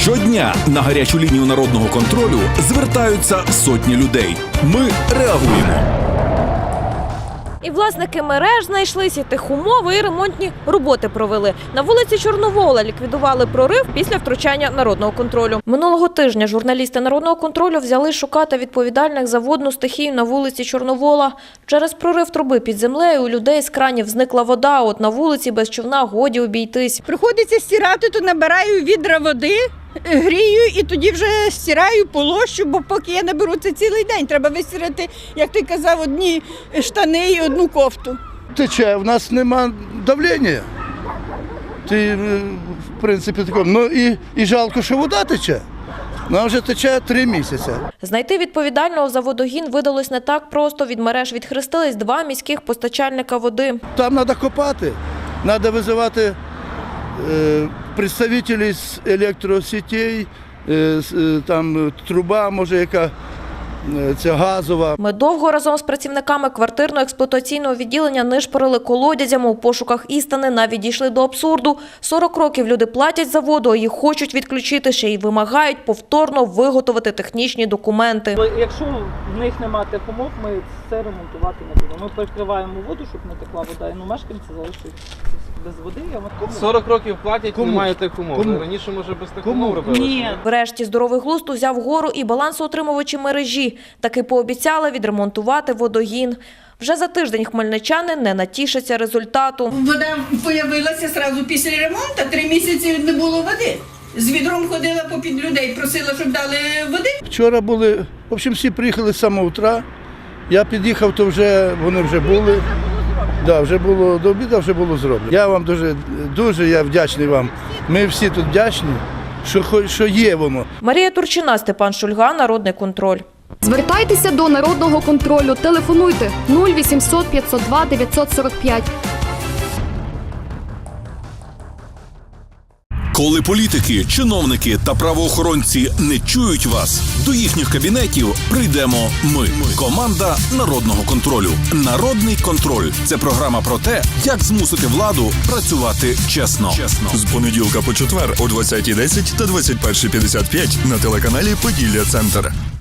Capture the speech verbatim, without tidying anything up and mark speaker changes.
Speaker 1: Щодня на гарячу лінію народного контролю звертаються сотні людей. Ми реагуємо.
Speaker 2: І власники мереж знайшлися, техумови і ремонтні роботи провели. На вулиці Чорновола ліквідували прорив після втручання народного контролю. Минулого тижня журналісти народного контролю взяли шукати відповідальних за водну стихію на вулиці Чорновола. Через прорив труби під землею у людей з кранів зникла вода, от на вулиці без човна годі обійтись.
Speaker 3: Приходиться стирати, то набираю відра води, грію і тоді вже стираю, полощу, бо поки я наберу це цілий день. Треба вистирати, як ти казав, одні штани і одну кофту.
Speaker 4: Тече, в нас нема давлення. Ти, в принципі, такому. Ну і, і жалко, що вода тече. Вона вже тече три місяці.
Speaker 2: Знайти відповідального за водогін видалось не так просто. Від мереж відхрестились два міських постачальника води.
Speaker 4: Там треба копати, треба визивати е, представників з електросетей, е, з, там труба, може, яка е, це газова.
Speaker 2: Ми довго разом з працівниками квартирно-експлуатаційного відділення нишпорили колодязями у пошуках істини, навіть дійшли до абсурду. сорок років люди платять за воду, а їх хочуть відключити, ще й вимагають повторно виготовити технічні документи.
Speaker 5: Якщо в них немає техумов, ми це ремонтувати не будемо. Ми перекриваємо воду, щоб не текла вода, і ну, мешканці залишаться без води.
Speaker 6: сорок років платять,
Speaker 4: Кому?
Speaker 6: немає техумов.
Speaker 4: Кому?
Speaker 6: Раніше, може, без техумов робили?
Speaker 5: Ні.
Speaker 2: Врешті здоровий глузд узяв гору і балансоутримувачі мережі. Таки пообіцяли відремонтувати водогін. Вже за тиждень хмельничани не натішаться результату.
Speaker 3: Вода з'явилася одразу після ремонту, три місяці не було води. З відром ходила попід людей, просила, щоб дали води.
Speaker 4: Вчора були, в общем, всі приїхали з самого утра. Я під'їхав, то вже вони вже були. Да, вже було до обіду, вже було зроблено. Я вам дуже, дуже я вдячний вам. Ми всі тут вдячні, що, хоч- що є воно.
Speaker 2: Марія Турчина, Степан Шульга, Народний контроль.
Speaker 7: Звертайтеся до народного контролю. Телефонуйте нуль вісімсот п'ятсот два дев'ятсот сорок п'ять.
Speaker 1: Коли політики, чиновники та правоохоронці не чують вас, до їхніх кабінетів прийдемо ми. Команда Народного контролю. Народний контроль – це програма про те, як змусити владу працювати чесно. чесно.
Speaker 8: З понеділка по четвер о двадцятій десять та двадцять першій п'ятдесят п'ять на телеканалі «Поділля Центр».